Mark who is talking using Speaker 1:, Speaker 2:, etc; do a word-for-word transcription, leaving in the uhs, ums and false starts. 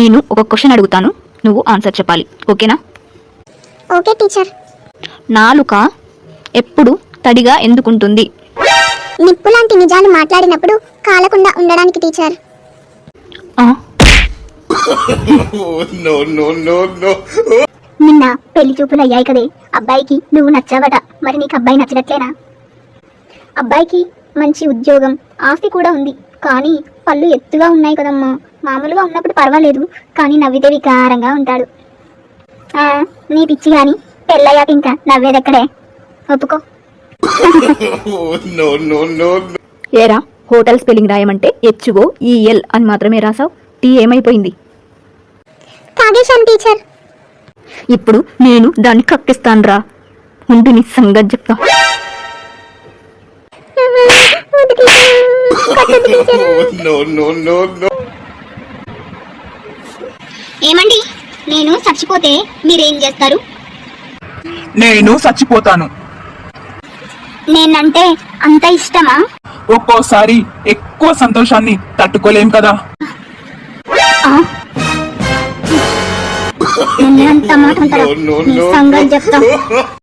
Speaker 1: నేను ఒక క్వశ్చన్ అడుగుతాను, నువ్వు ఆన్సర్ చెప్పాలి. ఓకేనా?
Speaker 2: Okay teacher.
Speaker 1: నాలుక ఎప్పుడు తడిగా ఎందుకుంటుంది?
Speaker 2: నిప్పు లాంటి నిజాలు మాట్లాడినప్పుడు కాలకుండా ఉండడానికి టీచర్.
Speaker 1: ఆ,
Speaker 3: no, no, no, no.
Speaker 2: నిన్న పెళ్లి చూపులు అయ్యాయి కదే, అబ్బాయికి నువ్వు నచ్చావట. మరి నీకు అబ్బాయి నచ్చట్లేనా? అబ్బాయికి మంచి ఉద్యోగం, ఆస్తి కూడా ఉంది. కానీ పళ్ళు ఎత్తుగా ఉన్నాయి కదమ్మా. మామూలుగా ఉన్నప్పుడు పర్వాలేదు, కానీ నవ్వితే వికారంగా ఉంటాడు. ఆ, నీ పిచ్చి గాని పెళ్ళయ్యాక ఇంకా నవ్వేదెక్కడే? ఒప్పుకో.
Speaker 3: no, no, no, no.
Speaker 1: ఏరా, హోటల్ స్పెల్లింగ్ రాయమంటే హెచ్ఓ ఈఎల్ అని మాత్రమే రాసావు. టీ ఏమైపోయింది?
Speaker 2: తాగేశాను టీచర్.
Speaker 1: ఇప్పుడు నేను దాన్ని కక్కిస్తాను రా. ఉండి నీ సంగతి చెప్తా.
Speaker 3: no, no, no, no.
Speaker 2: ఏమండి, నేను చచ్చిపోతే మీరేం చేస్తారు?
Speaker 4: నేను చచ్చిపోతాను.
Speaker 2: నేనంటే అంత ఇష్టమా?
Speaker 4: ఒక్కోసారి ఎక్కువ సంతోషాన్ని తట్టుకోలేం కదా.
Speaker 2: అంత మాట అంటారా?
Speaker 3: No, no,
Speaker 2: నీ
Speaker 3: no,
Speaker 2: సంగతి
Speaker 3: no.
Speaker 2: చెప్తా.